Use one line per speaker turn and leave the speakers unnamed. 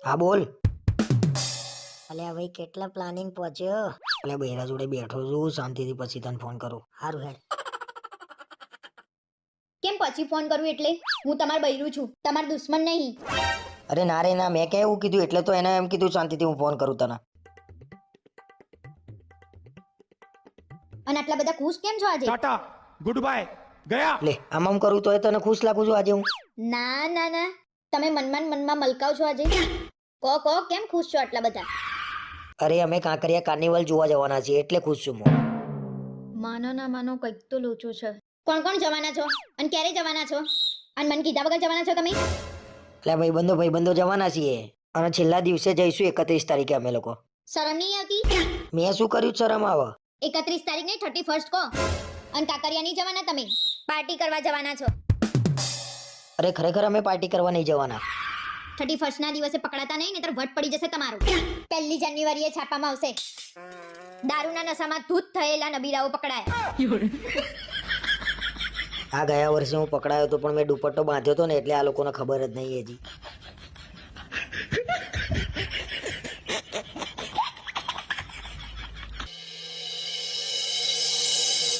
હા બોલ.
અલ્યા ભાઈ કેટલા પ્લાનિંગ પહોંચ્યો.
એટલે બૈરા જોડે બેઠો છું શાંતિથી, પછી તને ફોન કરું.
હારું હેડ.
કેમ પછી ફોન કરું એટલે? હું તમાર બૈરું છું, તમાર દુશ્મન નહીં.
અરે ના રે ના, મેં ક્યાં એવું કીધું? એટલે તો એને એમ કીધું શાંતિથી હું ફોન કરું તને.
અને આટલા બધા ખુશ કેમ છો આજે?
टाटा गुड बाय गया।
લે આમ કરું તો તને ખુશ લાગુ છું આજે હું?
ના ના ના, તમે મનમાં મલકાવ છો આજે. કહો કેમ ખુશ છો આટલા બધા?
અરે અમે કાંકરિયા કાર્નિવલ જોવા જવાના છીએ એટલે ખુશ છું હું.
માનો ના માનો કંઈક તો લોચો છે. કોણ કોણ જવાના છો અને ક્યારે જવાના છો? અને મને કીધા વગર જવાના છો તમે?
એટલે ભાઈબંધો જવાના છીએ અને છેલ્લા દિવસે જઈશું 31 તારીખે અમે લોકો.
શરમ નહીં આવતી?
મેં શું કર્યું શરમ આવે?
31 તારીખ નહીં 31st કહો. અને કાકરિયા નહીં જવાના તમે? પાર્ટી કરવા જવાના છો?
અરે ખરેખર અમે પાર્ટી કરવા નહીં જવાના.
31st ના દિવસે પકડાતા નહીં નહીતર વટ પડી જશે તમારું. 1 જાન્યુઆરીએ છાપામાં આવશે, દારૂના નશામાં ધૂત થયેલા નબીરાઓ પકડાયા.
આ ગયા વર્ષે હું પકડાયો હતો પણ મેં દુપટ્ટો બાંધ્યો હતો ને એટલે આ લોકોને ખબર જ નહીં હજી.